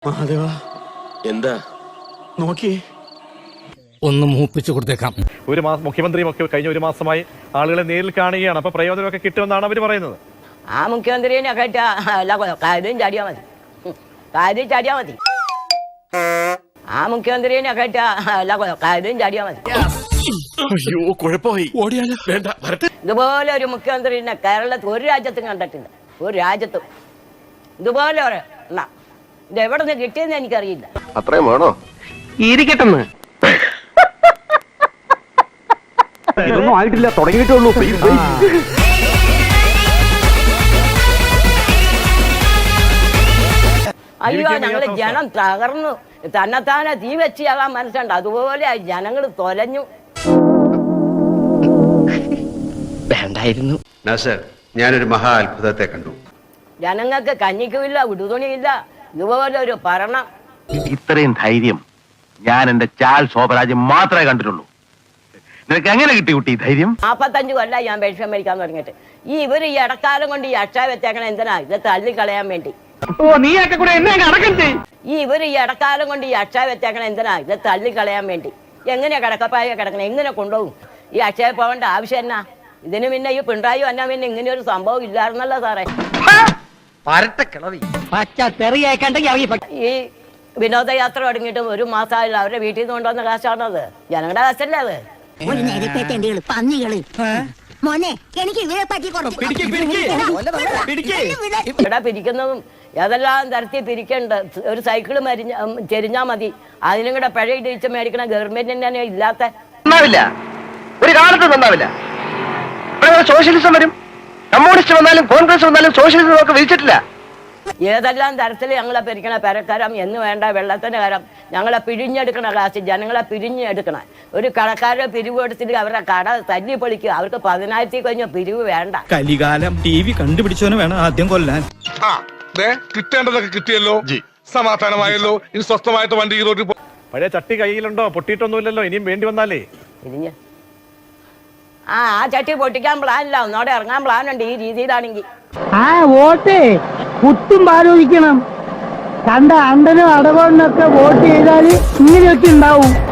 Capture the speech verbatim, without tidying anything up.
മഹാദേവ എന്താ നോക്കി ഒന്ന് മൂപ്പിച്ചു കൊടുത്തേക്കാം. ഒരു മാസം മുഖ്യമന്ത്രിയും ഒക്കെ കഴിഞ്ഞ ഒരു മാസമായി ആളുകളെ നേരിൽ കാണുകയാണ്. അപ്പൊ പ്രയോജനമൊക്കെ കിട്ടുമെന്നാണ് അവർ പറയുന്നത്. ആ മുഖ്യമന്ത്രിനെ കേട്ടാ എല്ലാ കാര്യം ചാടിയാ മതി, കാര്യം ചാടിയാ മതി. ആ മുഖ്യമന്ത്രിനെ കേട്ടാ എല്ലാ കാര്യം ചാടിയാ മതി. അയ്യോ കുഴപ്പമായി, ഓടിയാലോ വേണ്ട വരട്ടെ. ഇതുപോലെ ഒരു മുഖ്യമന്ത്രിനെ കേരളത്തിൽ ഒരു രാജ്യത്തും കണ്ടിട്ടില്ല, ഒരു രാജ്യത്തും ഇതുപോലെ ഒരു എണ്ണ. ഇത് എവിടെ നിന്ന് കിട്ടിയെന്ന് എനിക്കറിയില്ല. അത്രയും വേണോ? ഇരിക്കട്ടെന്ന് ഇതൊന്നും ആയിട്ടില്ല, തുടങ്ങിയിട്ടേ ഉള്ളൂ. അയ്യോ ഞങ്ങള് ജനം തകർന്നു, തന്നെത്താനെ തീ വെച്ചാകാൻ മനസ്സുണ്ട്. അതുപോലെ ജനങ്ങൾ തൊലഞ്ഞു. വേണ്ടായിരുന്നു. ഞാനൊരു മഹാ അത്ഭുതത്തെ കണ്ടു. ജനങ്ങൾക്ക് കഞ്ഞിക്കുമില്ല, ഉടുതുണിയില്ല. ഇതുപോലെ ഒരു ഭരണം. ഇത്രയും ധൈര്യം ഞാൻ എന്റെ ചാൽ ശോഭരാജ് മാത്രമേ കണ്ടിട്ടുള്ളൂ. നിനക്ക് എങ്ങനെ കിട്ടി കുട്ടി ധൈര്യം? നാപ്പത്തഞ്ചു കൊല്ലം ഞാൻ പെൻഷൻ മേടിക്കാൻ തുടങ്ങിയിട്ട്. ഈ ഇവര് ഈ ഇടക്കാലം കൊണ്ട് ഈ അക്ഷയ വെച്ചേക്കണ എന്തിനാ? ഇത് തള്ളിക്കളയാൻ വേണ്ടി. ഈ ഇവര് ഈ ഇടക്കാലം കൊണ്ട് ഈ അക്ഷയ വെച്ചേക്കണ എന്തിനാ? ഇത് തള്ളിക്കളയാൻ വേണ്ടി. എങ്ങനെയാ കിടക്കപ്പായ കിടക്കണേ? എങ്ങനെ കൊണ്ടുപോകും? ഈ അക്ഷയ പോകേണ്ട ആവശ്യം എന്നാ? ഇതിന് പിന്നെ ഈ പിണറായി വന്നാൽ പിന്നെ ഇങ്ങനെ ഒരു സംഭവം ഇല്ലായിരുന്നല്ലോ സാറേ. ഈ വിനോദയാത്ര തുടങ്ങിയിട്ടും ഒരു മാസമായില്ല. അവരുടെ വീട്ടിൽ നിന്ന് കൊണ്ടുവന്ന കാശാണത്, ജനങ്ങളുടെ കാശല്ലേ അത്. ഇവിടെ പിരിക്കുന്നതും ഏതെല്ലാം തരത്തിൽ പിരിക്കണ്ട്. ഒരു സൈക്കിള് മരിഞ്ഞ ചെരിഞ്ഞാ മതി, അതിനും കൂടെ പിഴ ഇടിച്ച് മേടിക്കണ ഗവൺമെന്റിന് തന്നെ ഇല്ലാത്ത. ഒരു കാലത്ത് നന്നാവില്ല. സോഷ്യലിസം വരും, കമ്മ്യൂണിസ്റ്റ് വന്നാലും കോൺഗ്രസ് വന്നാലും സോഷ്യലിസം നമുക്ക് വിധിച്ചിട്ടില്ല. ഏതെല്ലാം തരത്തിൽ ഞങ്ങളെ പിരിക്കണ പെരക്കരം എന്ന് വേണ്ട വെള്ളത്തിന്റെ കരം. ഞങ്ങളെ പിഴിഞ്ഞെടുക്കണ കാശ് ജനങ്ങളെ പിരിഞ്ഞെടുക്കണ. ഒരു കടക്കാരുടെ പിരിവ് എടുത്തിട്ട് അവരുടെ കട തല്ലി പൊളിക്കുക. അവർക്ക് പതിനായിരത്തി കഴിഞ്ഞ പിരിവ് വേണ്ട. കലികാലം ടി വി കണ്ടുപിടിച്ചവന് വേണം ആദ്യം കൊല്ലാൻ. കിട്ടേണ്ടതൊക്കെ കിട്ടിയല്ലോ, സമാധാനമായല്ലോ. ഇനി സ്വസ്ഥമായിട്ട് വണ്ടി റോഡിൽ. പഴയ ചട്ടി കയ്യിലുണ്ടോ? പൊട്ടിയിട്ടൊന്നുമില്ലല്ലോ. ഇനിയും വേണ്ടി വന്നാലേ പിരിഞ്ഞ് ആ ആ ചട്ടി പൊട്ടിക്കാൻ പ്ലാനില്ല, ഒന്നോടെ ഇറങ്ങാൻ പ്ലാനുണ്ട്. ഈ രീതിയിലാണെങ്കിൽ ആ വോട്ട് കുത്തും ആലോചിക്കണം. കണ്ട അണ്ടനും അടവണ്ണൊക്കെ വോട്ട് ചെയ്താല് ഇങ്ങനെയൊക്കെ ഉണ്ടാവും.